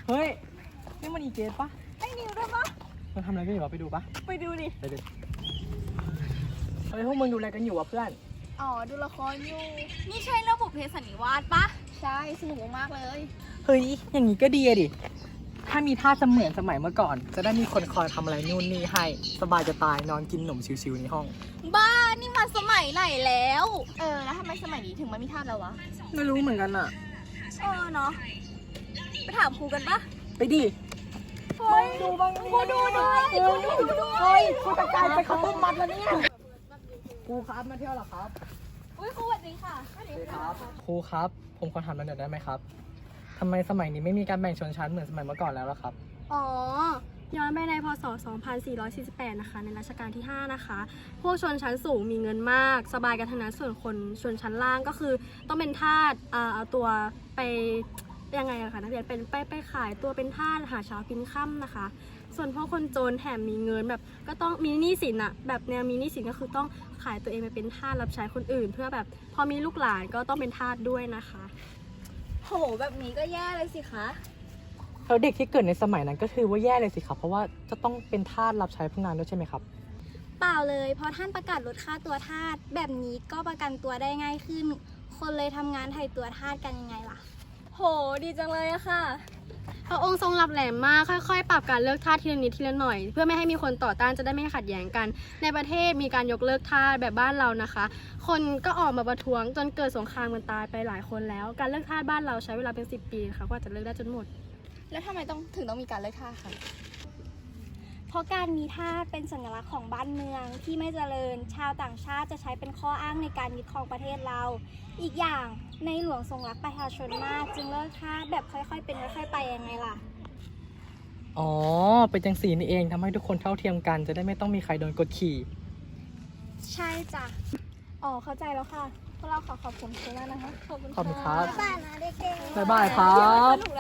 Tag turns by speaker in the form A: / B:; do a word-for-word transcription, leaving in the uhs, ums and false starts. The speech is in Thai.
A: เฮ้ยนี่มันอีเกสปะ
B: ไอ้นิวด้วยปะ
A: มันทำอะไรกันอยู่วะไปดูปะ
B: ไปดูดิ
A: ไปดูเฮ้ยพวกมึงดูอะไรกันอยู่วะเพื่อน
B: อ๋อดูละครอยู่นี่ใช่เรื่องบุพเพสันนิวาสปะใช่สนุกมากเลย
A: เฮ้ยอย่างนี้ก็ดีอะดิถ้ามีท่าเสมือนสมัยเมื่อก่อนจะได้มีคนคอยทำอะไรนู่นนี่ให้สบายจะตายนอนกินขนมชิวๆในห้อง
B: บ้านี่มาสมัยไหนแล้วเออแล้วทำไมสมัยนี้ถึงไม่มีท่าแล้ววะ
A: ไม่รู้เหมือนกันอะ
B: เออเนาะไปถามครูกันปะ
A: ไปดิ
B: เฮ้ยดูบ้างกูดูด้วยกูดูด้วย
A: เฮ้ยกูจะกลายเป็นข้าวต้มมัดแล้วเนี่ยครูครับมาเที่ยวเหรอครับ
B: อุ้ยครูสวัสดีค่ะสวัสดี
A: ครับครูครับผมขอถามหน่อยได้ไหมครับทำไมสมัยนี้ไม่มีการแบ่งชนชั้นเหมือนสมัยเมื่อก่อนแล้วล่ะครับ
C: อ๋อย้อนไปในพศสองพันสี่ร้อยสี่สิบแปดนะคะในรัชกาลที่ห้านะคะพวกชนชั้นสูงมีเงินมากสบายกันทั้งนั้นส่วนคนชนชั้นล่างก็คือต้องเป็นทาสเอาตัวไปยังไงอะคะนักเรียนเป็นไปไปขายตัวเป็นทาสหาเช้ากินค่ำนะคะส่วนพวกคนจนแถมมีเงินแบบก็ต้องมีหนี้สินอะแบบแนวมีหนี้สินก็คือต้องขายตัวเองไปเป็นทาสรับใช้คนอื่น เพื่อแบบพอมีลูกหลานก็ต้องเป็นทาสด้วยนะคะ
B: โหแบบนี้ก็แย่เลยสิคะ
A: แล้วเด็กที่เกิดในสมัยนั้นก็คือว่าแย่เลยสิครับเพราะว่าจะต้องเป็นทาสรับใช้พวกนั้นด้วยใช่ไหมครับ
C: เปล่าเลยเพราะท่านประกาศลดค่าตัวทาสแบบนี้ก็ประกันตัวได้ง่ายขึ้นคนเลยทำงานไถ่ตัวทาสกันยังไงล่ะ
B: โหดีจังเลยอะค่ะ
C: พระองค์ทรงรับแหลมมากค่อยๆปรับการเลิกทาสทีละนิดทีละหน่อยเพื่อไม่ให้มีคนต่อต้านจะได้ไม่ขัดแย้งกันในประเทศมีการยกเลิกทาสแบบบ้านเรานะคะคนก็ออกมาประท้วงจนเกิดสงครามกันตายไปหลายคนแล้วการเลิกทาสบ้านเราใช้เวลาเป็นสิบปีค่ะกว่าจะเลิกได้จนหมด
B: แล้วทำไมต้องถึงต้องมีการเลิกทาสคะ
C: เพราะการมีทาสเป็นสัญลักษณ์ของบ้านเมืองที่ไม่เจริญชาวต่างชาติจะใช้เป็นข้ออ้างในการยึดครองประเทศเราอีกอย่างในหลวงทรงรักประชาชนมากจึงเลิกทาสแบบค่อยๆเป็นค่อยๆไปยังไงล่ะ
A: อ๋อเป็นจังสีนี่เองทำให้ทุกคนเท่าเทียมกันจะได้ไม่ต้องมีใครโดนกดขี่
C: ใช่จ้ะ
B: อ๋อเข้าใจแล้วค่ะพวกเราขอขอบคุณคุณมากนะคะ
A: ขอบคุณครับ
B: บ๊ายบายนะเด็กๆ
A: บ๊ายบายครับ